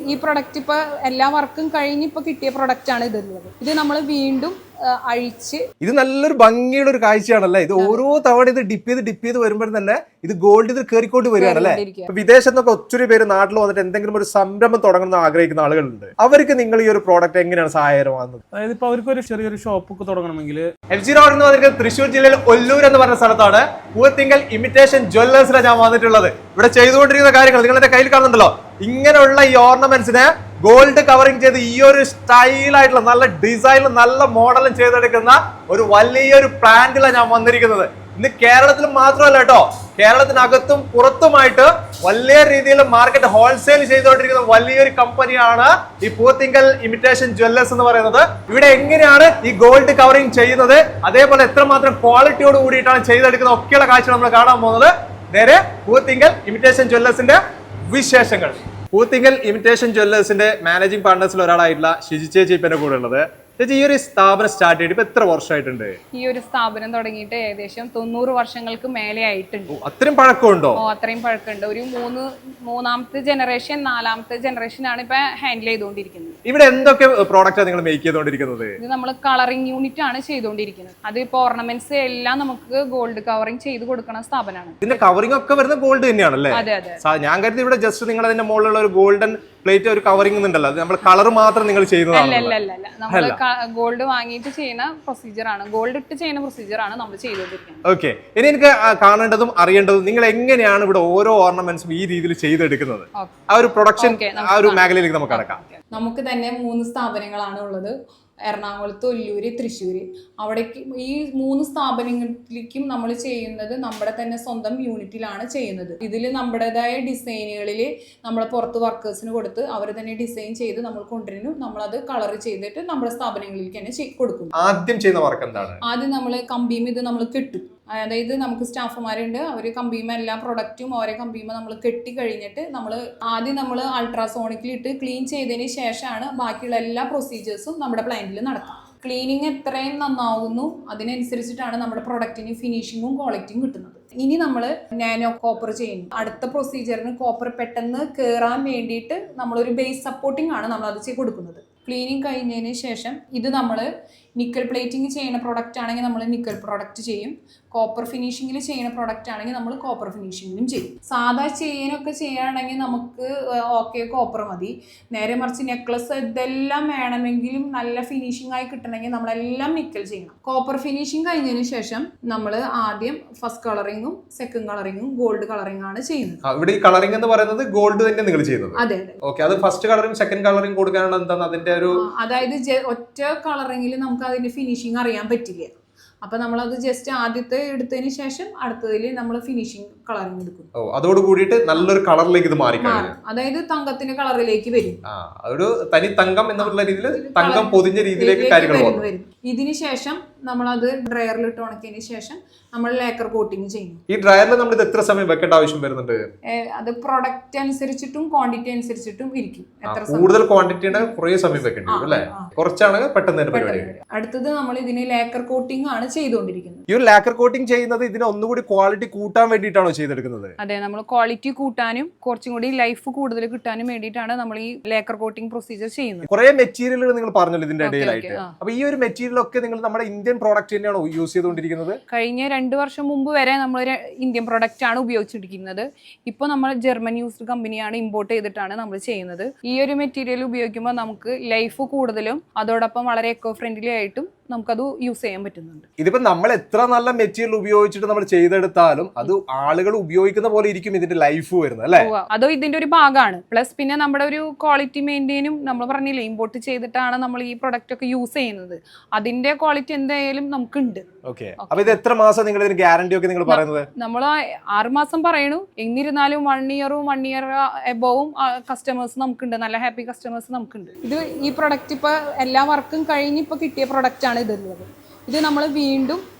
ഈ പ്രൊഡക്റ്റ് ഇപ്പോൾ എല്ലാ വർക്കും കഴിഞ്ഞ് ഇപ്പോൾ കിട്ടിയ പ്രൊഡക്റ്റാണ് ഇതുള്ളത്. ഇത് നമ്മൾ വീണ്ടും അഴിച്ച് ഇത് നല്ലൊരു ഭംഗിയുള്ള ഒരു കാഴ്ചയാണല്ലേ. ഇത് ഓരോ തവണ ഇത് ഡിപ്പ് ചെയ്ത് വരുമ്പോൾ തന്നെ ഇത് ഗോൾഡ് ഇത് കയറിക്കൊണ്ട് വരികയാണല്ലേ. വിദേശത്തൊക്കെ ഒത്തിരി പേര് നാട്ടിൽ വന്നിട്ട് എന്തെങ്കിലും ഒരു സംരംഭം തുടങ്ങണമെന്ന് ആഗ്രഹിക്കുന്ന ആളുകളുണ്ട്. അവർക്ക് നിങ്ങൾ ഈ ഒരു പ്രോഡക്റ്റ് എങ്ങനെയാണ് സഹായകരമാകുന്നത്? അതായത് ഇപ്പൊ അവർക്ക് ഒരു ചെറിയൊരു ഷോപ്പൊക്കെ തുടങ്ങണമെങ്കിൽ എഫ് ജി റോഡ് എന്ന് പറഞ്ഞിട്ട് തൃശ്ശൂർ ജില്ലയിൽ ഒല്ലൂർ എന്ന് പറഞ്ഞ സ്ഥലത്താണ് പൂത്തിങ്കൽ ഇമിറ്റേഷൻ ജ്വല്ലേഴ്സിലാണ് ഞാൻ വന്നിട്ടുള്ളത്. ഇവിടെ ചെയ്തുകൊണ്ടിരിക്കുന്ന കാര്യങ്ങൾ നിങ്ങൾ എന്റെ കയ്യിൽ കാണുന്നുണ്ടല്ലോ. ഇങ്ങനെയുള്ള ഈ ഓർണമെന്റ്സിനെ ഗോൾഡ് കവറിംഗ് ചെയ്ത് ഈ ഒരു സ്റ്റൈലായിട്ടുള്ള നല്ല ഡിസൈനിലും നല്ല മോഡലും ചെയ്തെടുക്കുന്ന ഒരു വലിയൊരു പ്ലാന്റിലാണ് ഞാൻ വന്നിരിക്കുന്നത്. ഇന്ന് കേരളത്തിൽ മാത്രമല്ല കേട്ടോ, കേരളത്തിനകത്തും പുറത്തുമായിട്ട് വലിയ രീതിയിൽ മാർക്കറ്റ് ഹോൾസെയിൽ ചെയ്തുകൊണ്ടിരിക്കുന്ന വലിയൊരു കമ്പനിയാണ് ഈ പൂത്തിങ്കൽ ഇമിറ്റേഷൻ ജ്വല്ലേഴ്സ് എന്ന് പറയുന്നത്. ഇവിടെ എങ്ങനെയാണ് ഈ ഗോൾഡ് കവറിംഗ് ചെയ്യുന്നത്, അതേപോലെ എത്രമാത്രം ക്വാളിറ്റിയോട് കൂടിയിട്ടാണ് ചെയ്തെടുക്കുന്നത് ഒക്കെയുള്ള കാഴ്ച നമ്മൾ കാണാൻ പോകുന്നത്. നേരെ പൂത്തിങ്കൽ ഇമിറ്റേഷൻ ജ്വല്ലേഴ്സിന്റെ വിശേഷങ്ങൾ. പൂത്തിങ്കൽ ഇമിറ്റേഷൻ ജ്വല്ലേഴ്സിന്റെ മാനേജിംഗ് പാർട്ട്നേഴ്സിൽ ഒരാളായിട്ടുള്ള ഷിജി ചേച്ചി ഇപ്പന്റെ കൂടെ ഉള്ളത്. ചേച്ചി, ഈ ഒരു സ്ഥാപനം സ്റ്റാർട്ട് ചെയ്തിട്ട് ഇപ്പൊ എത്ര വർഷമായിട്ടുണ്ട്? ഈ ഒരു സ്ഥാപനം തുടങ്ങിയിട്ട് ഏകദേശം 90 വർഷങ്ങൾക്ക് മേലെ ആയിട്ടുണ്ട്. അത്രയും പഴക്കമുണ്ടോ? അത്രയും പഴക്കമുണ്ട്. ഒരു മൂന്നാമത്തെ ജനറേഷൻ 4ാമത്തെ ജനറേഷൻ ആണ് ഇപ്പൊ ഹാൻഡിൽ ചെയ്തുകൊണ്ടിരിക്കുന്നത്. ഇവിടെ എന്തൊക്കെ പ്രോഡക്റ്റാണ് നിങ്ങൾ മേക്ക് ചെയ്തുകൊണ്ടിരിക്കുന്നത്? ഇത് നമ്മൾ കളറിംഗ് യൂണിറ്റ് ആണ് ചെയ്തുകൊണ്ടിരിക്കുന്നത്. അത് ഇപ്പൊ ഓർണമെന്റ്സ് എല്ലാം നമുക്ക് ഗോൾഡ് കവറിംഗ് ചെയ്ത് കൊടുക്കുന്ന സ്ഥാപനമാണ്. ഇതിന്റെ കവറിംഗ് ഒക്കെ വരുന്നത് ഗോൾഡ് തന്നെയാണല്ലേ? അതെ അതെ. ഞാൻ കരുതി ഇവിടെ ജസ്റ്റ് നിങ്ങൾ അതിന്റെ മുകളിലുള്ള ഒരു ഗോൾഡൻ പ്ലേറ്റ് ഒരു കവറിംഗ് ഉണ്ടല്ലോ, അത് നമ്മൾ കളർ മാത്രം നിങ്ങൾ ചെയ്യുന്നതാണ്. നമ്മൾ ഗോൾഡ് വാങ്ങിയിട്ട് ചെയ്യുന്ന പ്രൊസീജിയർ ആണ്, ഗോൾഡ് ഇട്ട് ചെയ്യുന്ന പ്രൊസീജിയർ ആണ് നമ്മൾ ചെയ്തുകൊണ്ടിരിക്കുന്നത്. ഓക്കെ, ഇനി എനിക്ക് കാണേണ്ടതും അറിയേണ്ടതും നിങ്ങൾ എങ്ങനെയാണ് ഇവിടെ ഓരോ ഓർണമെന്റ്സും ഈ രീതിയിൽ ചെയ്തെടുക്കുന്നത്, ആ ഒരു പ്രൊഡക്ഷൻ ആ ഒരു മേഖലയിലേക്ക് നമുക്ക് കടക്കാം. നമുക്ക് തന്നെ 3 സ്ഥാപനങ്ങളാണ് ഉള്ളത്. എറണാകുളത്ത്, ഒല്ലൂര്, തൃശ്ശൂര്. അവിടേക്ക് ഈ 3 സ്ഥാപനങ്ങളിലേക്കും നമ്മൾ ചെയ്യുന്നത് നമ്മുടെ തന്നെ സ്വന്തം യൂണിറ്റിലാണ് ചെയ്യുന്നത്. ഇതിൽ നമ്മുടേതായ ഡിസൈനുകളിൽ നമ്മൾ പുറത്ത് വർക്കേഴ്സിന് കൊടുത്ത് അവർ തന്നെ ഡിസൈൻ ചെയ്ത് നമ്മൾ കൊണ്ടുവരുന്നു. നമ്മളത് കളർ ചെയ്തിട്ട് നമ്മുടെ സ്ഥാപനങ്ങളിലേക്ക് തന്നെ കൊടുക്കും. ആദ്യം ചെയ്യുന്ന വർക്ക് എന്താണ്? ആദ്യം നമ്മൾ കമ്പിയും ഇത് നമ്മൾ കെട്ടും. അതായത് നമുക്ക് സ്റ്റാഫുമാരുണ്ട്, അവർ കമ്പിയുമ എല്ലാ പ്രൊഡക്റ്റും ഓരോ കമ്പിയുമ നമ്മൾ കെട്ടി കഴിഞ്ഞിട്ട് ആദ്യം നമ്മൾ അൾട്രാസോണിക്കിലിട്ട് ക്ലീൻ ചെയ്തതിന് ശേഷമാണ് ബാക്കിയുള്ള എല്ലാ പ്രൊസീജിയേഴ്സും നമ്മുടെ പ്ലാന്റിൽ നടക്കുക. ക്ലീനിങ് എത്രയും നന്നാവുന്നു അതിനനുസരിച്ചിട്ടാണ് നമ്മുടെ പ്രൊഡക്റ്റിന് ഫിനിഷിങ്ങും ക്വാളിറ്റിയും കിട്ടുന്നത്. ഇനി നമ്മൾ നാനോ കോപ്പർ ചെയ്യുന്നു. അടുത്ത പ്രൊസീജിയറിന് കോപ്പർ പെട്ടെന്ന് കയറാൻ വേണ്ടിയിട്ട് നമ്മളൊരു ബേസ് സപ്പോർട്ടിംഗ് ആണ് നമ്മൾ അത് കൊടുക്കുന്നത്. ക്ലീനിങ് കഴിഞ്ഞതിന് ശേഷം ഇത് നമ്മൾ നിക്കൽ പ്ലേറ്റിംഗ് ചെയ്യുന്ന പ്രൊഡക്റ്റ് ആണെങ്കിൽ നമ്മൾ നിക്കൽ പ്രൊഡക്റ്റ് ചെയ്യും. കോപ്പർ ഫിനിഷിങ്ങിൽ ചെയ്യുന്ന പ്രൊഡക്റ്റ് ആണെങ്കിൽ നമ്മൾ കോപ്പർ ഫിനിഷിങ്ങിലും ചെയ്യും. സാധാ ചെയിനൊക്കെ ചെയ്യുകയാണെങ്കിൽ നമുക്ക് ഓക്കെ കോപ്പർ മതി. നേരെ മറിച്ച് നെക്ലസ് ഇതെല്ലാം വേണമെങ്കിലും നല്ല ഫിനിഷിംഗ് ആയി കിട്ടണമെങ്കിൽ നമ്മളെല്ലാം നിക്കൽ ചെയ്യണം. കോപ്പർ ഫിനിഷിങ് കഴിഞ്ഞതിന് ശേഷം നമ്മൾ ആദ്യം ഫസ്റ്റ് കളറിങ്ങും സെക്കൻഡ് കളറിങ്ങും ഗോൾഡ് കളറിംഗ് ആണ് ചെയ്യുന്നത്. ഇവിടെ ഈ കളറിംഗ് എന്ന് പറയുന്നത് ഗോൾഡ് തന്നെ നിങ്ങൾ ചെയ്യുന്നത്? അതെ അതെ. ഓക്കെ, അത് ഫസ്റ്റ് കളറിംഗ് സെക്കൻഡ് കളറിംഗ് കൊടുക്കാനാണ് എന്താണ് അതിന്റെ ഒരു, അതായത് ഒറ്റ കളറിംഗിൽ നമുക്ക് അതിന്റെ ഫിനിഷിംഗ് അറിയാൻ പറ്റില്ല. അപ്പൊ നമ്മളത് ജസ്റ്റ് ആദ്യത്തെ എടുത്തതിന് ശേഷം അടുത്തതിൽ നമ്മൾ ഫിനിഷിംഗ് കളറിംഗ് എടുക്കും. അതോട് കൂടിയിട്ട് നല്ലൊരു കളറിലേക്ക് ഇത് മാറി, അതായത് തങ്കത്തിന്റെ കളറിലേക്ക് വരും. ഒരു തനി തങ്കം എന്നുള്ള രീതിയിൽ തങ്കം പൊതിഞ്ഞ രീതിയിലേക്ക് കാര്യങ്ങൾ വരും. ഇതിന് ശേഷം നമ്മളത് ഡ്രയറിൽ ഇട്ട് ഉണക്കിയതിന് ശേഷം നമ്മൾ ലേക്കർ കോട്ടിങ് ചെയ്യും. ഈ ഡ്രയറിൽ നമ്മൾ ഇത് എത്ര സമയം വെക്കേണ്ട ആവശ്യം വരുന്നുണ്ട്? അത് പ്രൊഡക്റ്റ് അനുസരിച്ചിട്ടും ക്വാണ്ടിറ്റി അനുസരിച്ചിട്ടും ഇരിക്കും. കൂടുതൽ ക്വാണ്ടിറ്റി ഉണ്ടെങ്കിൽ കുറേ സമയം വെക്കേണ്ടി വരും അല്ലേ? കുറച്ചാണെങ്കിൽ പെട്ടെന്ന് തന്നെ പരിപാടി. അടുത്തത് നമ്മൾ ഇതിന് ലേക്കർ കോട്ടിംഗ് ആണ് ചെയ്തുകൊണ്ടിരിക്കുന്നത്. ഈ ഒരു ലേക്കർ കോട്ടിംഗ് ചെയ്യുന്നത് ഇതിന് ഒന്നുകൂടി ക്വാളിറ്റി കൂട്ടാൻ വേണ്ടിയിട്ടാണോ ചെയ്തെടുക്കുന്നത്? അതെ, നമ്മൾ ക്വാളിറ്റി കൂട്ടാനും കുറച്ചും കൂടി ലൈഫ് കൂടുതൽ കിട്ടാനും വേണ്ടിയിട്ടാണ് നമ്മൾ ഈ ലേക്കർ കോട്ടിംഗ് പ്രൊസീജിയർ ചെയ്യുന്നത്. കുറെ മെറ്റീരിയലുകൾ നിങ്ങൾ പറഞ്ഞല്ലോ ഇതിന്റെ ഇടയിലായിട്ട്. അപ്പൊ ഈ ഒരു മെറ്റീരിയൽ ഒക്കെ നിങ്ങൾ നമ്മുടെ ഇന്ത്യൻ പ്രോഡക്റ്റ് തന്നെയാണോ യൂസ് ചെയ്തുകൊണ്ടിരിക്കുന്നത്? കഴിഞ്ഞ 2 വർഷം മുമ്പ് വരെ നമ്മൾ ഇന്ത്യൻ പ്രൊഡക്റ്റ് ആണ് ഉപയോഗിച്ചിരിക്കുന്നത്. ഇപ്പോൾ നമ്മൾ ജർമ്മൻ യൂസ്ഡ് കമ്പനിയാണ് ഇമ്പോർട്ട് ചെയ്തിട്ടാണ് നമ്മൾ ചെയ്യുന്നത്. ഈ ഒരു മെറ്റീരിയൽ ഉപയോഗിക്കുമ്പോൾ നമുക്ക് ലൈഫ് കൂടുതലും അതോടൊപ്പം വളരെ എക്കോ ഫ്രണ്ട്ലി ആയിട്ടും നമുക്കത് യൂസ് ചെയ്യാൻ പറ്റുന്നുണ്ട്. ഇതിപ്പോ നമ്മൾ എത്ര നല്ല മെറ്റീരിയൽ ഉപയോഗിച്ചിട്ട് നമ്മൾ ചെയ്തെടുത്താലും അത് ആളുകൾ ഉപയോഗിക്കുന്ന പോലെ ഇരിക്കും ഇതിന്റെ ലൈഫ് വരുന്നത് അല്ലേ? അതോ ഇതിന്റെ ഒരു ഭാഗമാണ്. പ്ലസ് പിന്നെ നമ്മുടെ ഒരു ക്വാളിറ്റി മെയിൻറ്റെയിനും നമ്മൾ പറഞ്ഞില്ലേ ഇമ്പോർട്ട് ചെയ്തിട്ടാണ് നമ്മൾ ഈ പ്രൊഡക്റ്റ് ഒക്കെ യൂസ് ചെയ്യുന്നത്. അതിന്റെ ക്വാളിറ്റി എന്തായാലും നമുക്കുണ്ട്. ഓക്കെ, അപ്പൊ ഇത് എത്ര മാസം നിങ്ങൾ ഇതിന് ഗ്യാരണ്ടി ഒക്കെ നിങ്ങൾ പറയുന്നത്? നമ്മൾ 6 മാസം പറയണു. എന്നിരുന്നാലും 1 ഇയർ എബോവും കസ്റ്റമേഴ്സ് നമുക്കുണ്ട്. നല്ല ഹാപ്പി കസ്റ്റമേഴ്സ് നമുക്കുണ്ട്. ഇത് ഈ പ്രൊഡക്റ്റ് ഇപ്പൊ എല്ലാ വർക്കും കഴിഞ്ഞ് ഇപ്പൊ കിട്ടിയ പ്രൊഡക്റ്റ് ആണ് ഇതുള്ളത്. ഇത് നമ്മൾ വീണ്ടും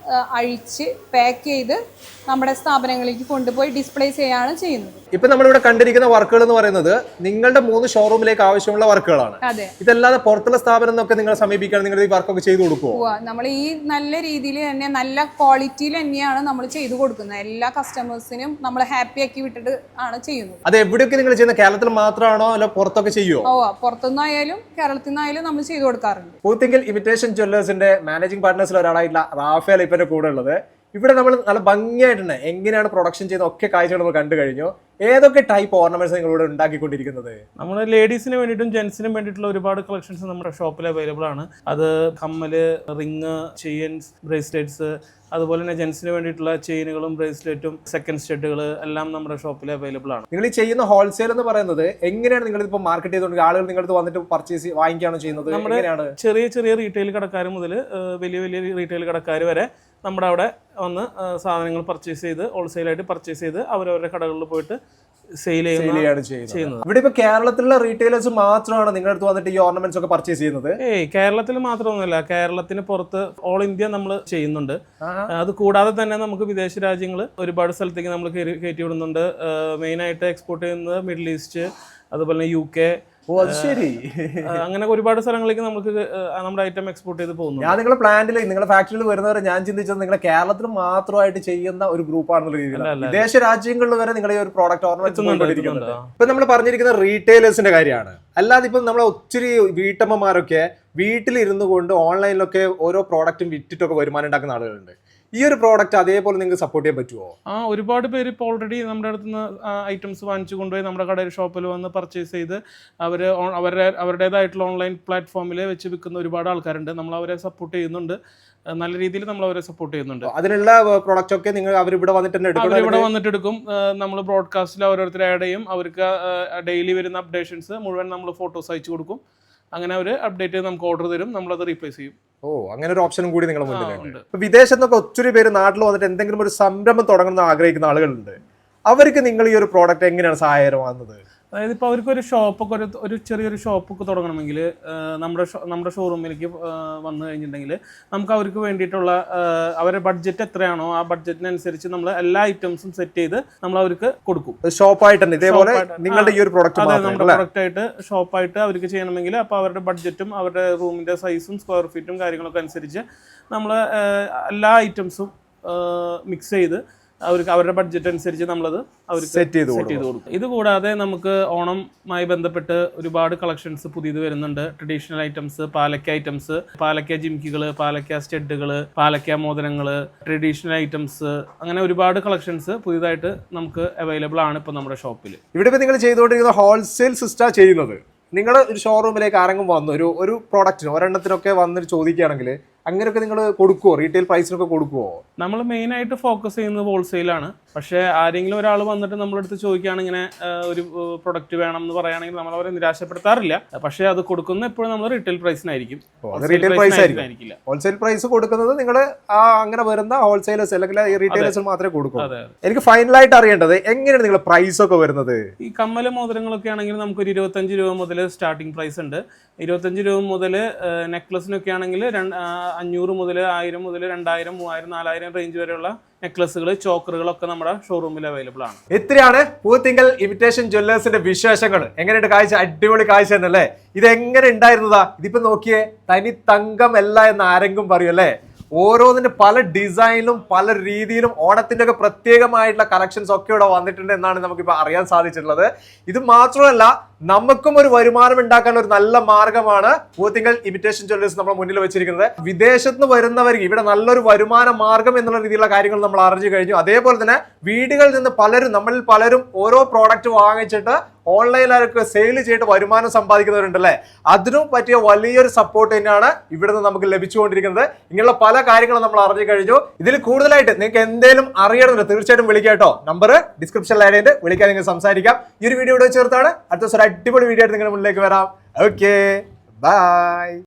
അഴിച്ച് പാക്ക് ചെയ്ത് നമ്മുടെ സ്ഥാപനങ്ങളിലേക്ക് കൊണ്ടുപോയി ഡിസ്പ്ലേ ചെയ്യാണ് ചെയ്യുന്നത്. ഇപ്പൊ നമ്മളിവിടെ കണ്ടിരിക്കുന്ന വർക്കുകൾ എന്ന് പറയുന്നത് നിങ്ങളുടെ 3 ഷോറൂമിലേക്ക് ആവശ്യമുള്ള വർക്കുകളാണ്. അതെ, ഇതല്ലാതെ പുറത്തുള്ള സ്ഥാപനം എന്നൊക്കെ നിങ്ങൾ സമീപിക്കാൻ നിങ്ങൾ ഈ വർക്കൊക്കെ ചെയ്തു കൊടുക്കുമോ? നമ്മൾ ഈ നല്ല രീതിയിൽ തന്നെ നല്ല ക്വാളിറ്റിയിൽ തന്നെയാണ് നമ്മൾ ചെയ്തു കൊടുക്കുന്നത്. എല്ലാ കസ്റ്റമേഴ്സിനും നമ്മൾ ഹാപ്പി ആക്കി വിട്ടിട്ട് ആണ് ചെയ്യുന്നത്. അത് എവിടെയൊക്കെ നിങ്ങൾ ചെയ്യുന്നത്? കേരളത്തിൽ മാത്രമാണോ അല്ല പുറത്തൊക്കെ ചെയ്യുമോ? പുറത്തുനിന്നായാലും കേരളത്തിൽ നിന്നായാലും നമ്മൾ ചെയ്തു കൊടുക്കാറുണ്ട്. പൂത്തിങ്കൽ ഇമിറ്റേഷൻ ജ്വല്ലേഴ്സിന്റെ മാനേജിംഗ് പാർട്ട്നേഴ്സിൽ ഒരാളായിട്ടുള്ള റാഫേൽ ഇപ്പന്റെ കൂടെ ഉള്ളത്. ഇവിടെ നമ്മൾ നല്ല ഭംഗിയായിട്ടുണ്ട് എങ്ങനെയാണ് പ്രൊഡക്ഷൻ ചെയ്യുന്ന ഒക്കെ കാഴ്ചകൾ നമ്മൾ കണ്ടു കഴിഞ്ഞു. ഏതൊക്കെ ടൈപ്പ് ഓർണമെന്റ്സ് നിങ്ങളിവിടെ ഉണ്ടാക്കിക്കൊണ്ടിരിക്കുന്നത്? നമ്മൾ ലേഡീസിന് വേണ്ടിയിട്ടും ജെന്റ്സിനും വേണ്ടിയിട്ടുള്ള ഒരുപാട് കളക്ഷൻസ് നമ്മുടെ ഷോപ്പിൽ അവൈലബിൾ ആണ്. അത് കമ്മല്, റിങ്, ചെയിൻസ്, ബ്രേസ്ലെറ്റ്സ്, അതുപോലെ തന്നെ ജെന്റ്സിന് വേണ്ടിയിട്ടുള്ള ചെയിനുകളും ബ്രേസ്ലെറ്റും സെക്കൻഡ് സ്റ്റഡുകൾ എല്ലാം നമ്മുടെ ഷോപ്പിൽ അവൈലബിൾ ആണ്. നിങ്ങൾ ഈ ചെയ്യുന്ന ഹോൾസെയിൽ എന്ന് പറയുന്നത് എങ്ങനെയാണ് നിങ്ങൾ ഇപ്പോൾ മാർക്കറ്റ് ചെയ്തുകൊണ്ട് ആളുകൾ നിങ്ങളുടെ വന്നിട്ട് പർച്ചേസ് വാങ്ങിക്കുകയാണോ ചെയ്യുന്നത്? നമ്മുടെ ചെറിയ ചെറിയ റീറ്റെയിൽ കടക്കാർ മുതൽ വലിയ വലിയ റീറ്റെയിൽ കടക്കാർ വരെ നമ്മുടെ അവിടെ വന്ന് സാധനങ്ങൾ പർച്ചേസ് ചെയ്ത് ഹോൾസെയിലായിട്ട് പർച്ചേസ് ചെയ്ത് അവരവരുടെ കടകളിൽ പോയിട്ട് സെയിൽ ചെയ്യുന്നത്. ഇവിടെ ഇപ്പൊ കേരളത്തിലുള്ള റീറ്റെയിലേഴ്സ് മാത്രമാണ് നിങ്ങളുടെ അടുത്ത് വന്നിട്ട് ഈ ഓർണമെന്റ്സ് ഒക്കെ പർച്ചേസ് ചെയ്യുന്നത്? കേരളത്തിൽ മാത്രമൊന്നുമല്ല, കേരളത്തിന് പുറത്ത് ഓൾ ഇന്ത്യ നമ്മൾ ചെയ്യുന്നുണ്ട്. അത് കൂടാതെ തന്നെ നമുക്ക് വിദേശ രാജ്യങ്ങൾ ഒരുപാട് സ്ഥലത്തേക്ക് നമ്മൾ കയറ്റി വിടുന്നുണ്ട്. മെയിനായിട്ട് എക്സ്പോർട്ട് ചെയ്യുന്നത് മിഡിൽ ഈസ്റ്റ്, അതുപോലെ UK, ശരി, അങ്ങനെ ഒരുപാട് സ്ഥലങ്ങളിലേക്ക് നമുക്ക് നമ്മുടെ ഐറ്റം എക്സ്പോർട്ട് ചെയ്ത് പോകുന്നു. ഞാൻ നിങ്ങളുടെ പ്ലാന്റിൽ നിങ്ങളുടെ ഫാക്ടറിയിൽ വരുന്നവരെ ഞാൻ ചിന്തിച്ചത് നിങ്ങളെ കേരളത്തിൽ മാത്രമായിട്ട് ചെയ്യുന്ന ഒരു ഗ്രൂപ്പാണെന്നുള്ള രീതിയിൽ. വിദേശ രാജ്യങ്ങളിൽ വരെ നിങ്ങൾ ഈ ഒരു പ്രോഡക്റ്റ് ഓർണമെന്റ് ഇപ്പൊ നമ്മൾ പറഞ്ഞിരിക്കുന്ന റീറ്റെയിലേഴ്സിന്റെ കാര്യമാണ്. അല്ലാതെ ഇപ്പം നമ്മളെ ഒത്തിരി വീട്ടമ്മമാരൊക്കെ വീട്ടിലിരുന്നു കൊണ്ട് ഓൺലൈനിലൊക്കെ ഓരോ പ്രോഡക്റ്റും വിറ്റിട്ടൊക്കെ വരുമാനം ഉണ്ടാക്കുന്ന ആളുകളുണ്ട്. ഈ ഒരു പ്രോഡക്റ്റ് അതേപോലെ നിങ്ങൾക്ക് സപ്പോർട്ട് ചെയ്യാൻ പറ്റുമോ? ഒരുപാട് പേര് ഇപ്പോൾ ഓൾറെഡി നമ്മുടെ അടുത്ത് നിന്ന് ഐറ്റംസ് വാങ്ങിച്ചു കൊണ്ടുപോയി നമ്മുടെ കടയിൽ ഷോപ്പിൽ വന്ന് പർച്ചേസ് ചെയ്ത് അവരുടേതായിട്ടുള്ള ഓൺലൈൻ പ്ലാറ്റ്ഫോമിൽ വെച്ച് വിൽക്കുന്ന ഒരുപാട് ആൾക്കാരുണ്ട്. നമ്മൾ അവരെ സപ്പോർട്ട് ചെയ്യുന്നുണ്ട്, നല്ല രീതിയിൽ നമ്മൾ അവരെ സപ്പോർട്ട് ചെയ്യുന്നുണ്ട്. അതിനുള്ള പ്രോഡക്റ്റ് ഒക്കെ നിങ്ങൾ അവരിവിടെ വന്നിട്ട് എടുക്കും. നമ്മൾ ബ്രോഡ്കാസ്റ്റിൽ ഓരോരുത്തർ ആഡ് ചെയ്യും. അവർക്ക് ഡെയിലി വരുന്ന അപ്ഡേഷൻസ് മുഴുവൻ നമ്മൾ ഫോട്ടോസ് അയച്ചു കൊടുക്കും. അങ്ങനെ അവർ അപ്ഡേറ്റ് ചെയ്ത് നമുക്ക് ഓർഡർ തരും, നമ്മളത് റീപ്ലേസ് ചെയ്യും. അങ്ങനെ ഒരു ഓപ്ഷനും കൂടി നിങ്ങളുടെ മുന്നിലുണ്ട്. വിദേശത്ത് നിന്നൊക്കെ ഒത്തിരി പേര് നാട്ടിൽ വന്നിട്ട് എന്തെങ്കിലും ഒരു സംരംഭം തുടങ്ങണമെന്ന് ആഗ്രഹിക്കുന്ന ആളുകളുണ്ട്. അവർക്ക് നിങ്ങൾ ഈ ഒരു പ്രോഡക്റ്റ് എങ്ങനെയാണ് സഹായകരമാകുന്നത്? അതായത് ഇപ്പോൾ അവർക്കൊരു ഷോപ്പൊക്കെ ഒരു ചെറിയൊരു ഷോപ്പൊക്കെ തുടങ്ങണമെങ്കിൽ നമ്മുടെ ഷോറൂമിലേക്ക് വന്നു കഴിഞ്ഞിട്ടുണ്ടെങ്കിൽ നമുക്ക് അവർക്ക് വേണ്ടിയിട്ടുള്ള അവരുടെ ബഡ്ജറ്റ് എത്രയാണോ ആ ബഡ്ജറ്റിനനുസരിച്ച് നമ്മൾ എല്ലാ ഐറ്റംസും സെറ്റ് ചെയ്ത് നമ്മൾ അവർക്ക് കൊടുക്കും. ഷോപ്പായിട്ട് ഇതേപോലെ നിങ്ങളുടെ ഈ ഒരു പ്രോഡക്റ്റ് നമ്മുടെ പ്രൊഡക്റ്റ് ആയിട്ട് ഷോപ്പായിട്ട് അവർക്ക് ചെയ്യണമെങ്കിൽ അപ്പോൾ അവരുടെ ബഡ്ജറ്റും അവരുടെ റൂമിന്റെ സൈസും സ്ക്വയർ ഫീറ്റും കാര്യങ്ങളൊക്കെ അനുസരിച്ച് നമ്മൾ എല്ലാ ഐറ്റംസും മിക്സ് ചെയ്ത് അവർക്ക് അവരുടെ ബഡ്ജറ്റ് അനുസരിച്ച് നമ്മളത് അവർക്ക് സെറ്റ് ചെയ്ത് കൊടുക്കും. ഇത് കൂടാതെ നമുക്ക് ഓണമായി ബന്ധപ്പെട്ട് ഒരുപാട് കളക്ഷൻസ് പുതിയത് വരുന്നുണ്ട്. ട്രഡീഷണൽ ഐറ്റംസ്, പാലക്ക ഐറ്റംസ്, പാലക്ക ജിംകികൾ, പാലക്ക സ്റ്റഡുകൾ, പാലക്ക മോതിരങ്ങൾ, ട്രഡീഷണൽ ഐറ്റംസ്, അങ്ങനെ ഒരുപാട് കളക്ഷൻസ് പുതിയതായിട്ട് നമുക്ക് അവൈലബിൾ ആണ് ഇപ്പോൾ നമ്മുടെ ഷോപ്പിൽ. ഇവിടെ ഇപ്പോൾ നിങ്ങൾ ചെയ്തുകൊണ്ടിരിക്കുന്ന ഹോൾസെയിൽ സിസ്റ്റം ചെയ്യുന്നത്. നിങ്ങൾ ഒരു ഷോറൂമിലേക്ക് ആരെങ്കിലും വന്നു ഒരു പ്രോഡക്റ്റിന് ഒരെണ്ണത്തിനൊക്കെ വന്നിട്ട് ചോദിക്കുകയാണെങ്കിൽ അങ്ങനെയൊക്കെ നിങ്ങൾ കൊടുക്കുമോ? റീറ്റെയിൽ പ്രൈസിനൊക്കെ കൊടുക്കുമോ? നമ്മൾ മെയിനായിട്ട് ഫോക്കസ് ചെയ്യുന്നത് ഹോൾസെയിലാണ്. പക്ഷേ ആരെങ്കിലും ഒരാൾ വന്നിട്ട് നമ്മളടുത്ത് ചോദിക്കുകയാണ് ഇങ്ങനെ ഒരു പ്രൊഡക്റ്റ് വേണം എന്ന് പറയുകയാണെങ്കിൽ നമ്മൾ അവരെ നിരാശപ്പെടുത്താറില്ല. പക്ഷേ അത് കൊടുക്കുന്ന എപ്പോഴും നമ്മൾ റീറ്റെയിൽ പ്രൈസിനായിരിക്കും, ഹോൾസെയിൽ പ്രൈസ് കൊടുക്കുന്നത് നിങ്ങൾ അങ്ങനെ വരുന്ന ഹോൾസെയിലേഴ്സ് അല്ലെങ്കിൽ റീറ്റെയിലേഴ്സ് മാത്രമേ കൊടുക്കൂ. എനിക്ക് ഫൈനലായിട്ട് അറിയേണ്ടത് എങ്ങനെയാണ് നിങ്ങളുടെ പ്രൈസ് ഒക്കെ വരുന്നത്? ഈ കമ്മല മോതിരങ്ങളൊക്കെ ആണെങ്കിൽ നമുക്കൊരു 25 രൂപ മുതൽ സ്റ്റാർട്ടിംഗ് പ്രൈസ് ഉണ്ട്. 25 രൂപ മുതൽ നെക്ലസിനൊക്കെ ആണെങ്കിൽ 500 മുതൽ 1000 മുതൽ 2000, 3000, 4000 റേഞ്ച് വരെയുള്ള നെക്ലസുകൾ, ചോക്കറുകളൊക്കെ നമ്മുടെ ഷോറൂമിൽ അവൈലബിൾ ആണ്. ഇത്രയാണ് പൂത്തിങ്കൽ ഇമിറ്റേഷൻ ജ്വല്ലേഴ്സിന്റെ വിശേഷങ്ങൾ. എങ്ങനെയുണ്ട് കാഴ്ച? അടിപൊളി കാഴ്ച തന്നെയല്ലേ? ഇത് എങ്ങനെ ഉണ്ടായിരുന്നതാ? ഇതിപ്പോ നോക്കിയേ, തനി തങ്കമല്ല എന്ന് ആരെങ്കിലും പറയും അല്ലേ? ഓരോന്നിന്റെ പല ഡിസൈനിലും പല രീതിയിലും ഓണത്തിന്റെ ഒക്കെ പ്രത്യേകമായിട്ടുള്ള കളക്ഷൻസ് ഒക്കെ ഇവിടെ വന്നിട്ടുണ്ട് എന്നാണ് നമുക്കിപ്പോൾ അറിയാൻ സാധിച്ചിട്ടുള്ളത്. ഇത് മാത്രമല്ല, നമുക്കും ഒരു വരുമാനം ഉണ്ടാക്കാനുള്ള ഒരു നല്ല മാർഗമാണ് പൂത്തിങ്കൽ ഇമിറ്റേഷൻ ജ്വല്ലേഴ്സ് നമ്മുടെ മുന്നിൽ വെച്ചിരിക്കുന്നത്. വിദേശത്ത് നിന്ന് വരുന്നവർക്ക് ഇവിടെ നല്ലൊരു വരുമാന മാർഗം എന്നുള്ള രീതിയിലുള്ള കാര്യങ്ങൾ നമ്മൾ അറിഞ്ഞു കഴിഞ്ഞു. അതേപോലെ തന്നെ വീടുകളിൽ നിന്ന് നമ്മളിൽ പലരും ഓരോ പ്രോഡക്റ്റ് വാങ്ങിച്ചിട്ട് ഓൺലൈനിലൊക്കെ സെയിൽ ചെയ്തിട്ട് വരുമാനം സമ്പാദിക്കുന്നവരുണ്ടല്ലേ? അതിനും പറ്റിയ വലിയൊരു സപ്പോർട്ട് തന്നെയാണ് ഇവിടെ നിന്ന് നമുക്ക് ലഭിച്ചുകൊണ്ടിരിക്കുന്നത്. ഇങ്ങനെയുള്ള പല കാര്യങ്ങളും നമ്മൾ അറിഞ്ഞു കഴിഞ്ഞു. ഇതിൽ കൂടുതലായിട്ട് നിങ്ങൾക്ക് എന്തെങ്കിലും അറിയണമെന്ന് തീർച്ചയായിട്ടും വിളിക്കാം കേട്ടോ. നമ്പർ ഡിസ്ക്രിപ്ഷനിൽ ആഡ് ചെയ്ത് വിളിക്കാൻ നിങ്ങൾക്ക് സംസാരിക്കാം. ഈ ഒരു വീഡിയോ ഇവിടെ ചേർത്താണ് അടുത്ത ദിവസം അടിപൊളി വീഡിയോ ആയിട്ട് നിങ്ങളുടെ മുന്നിലേക്ക് വരാം. Okay, by.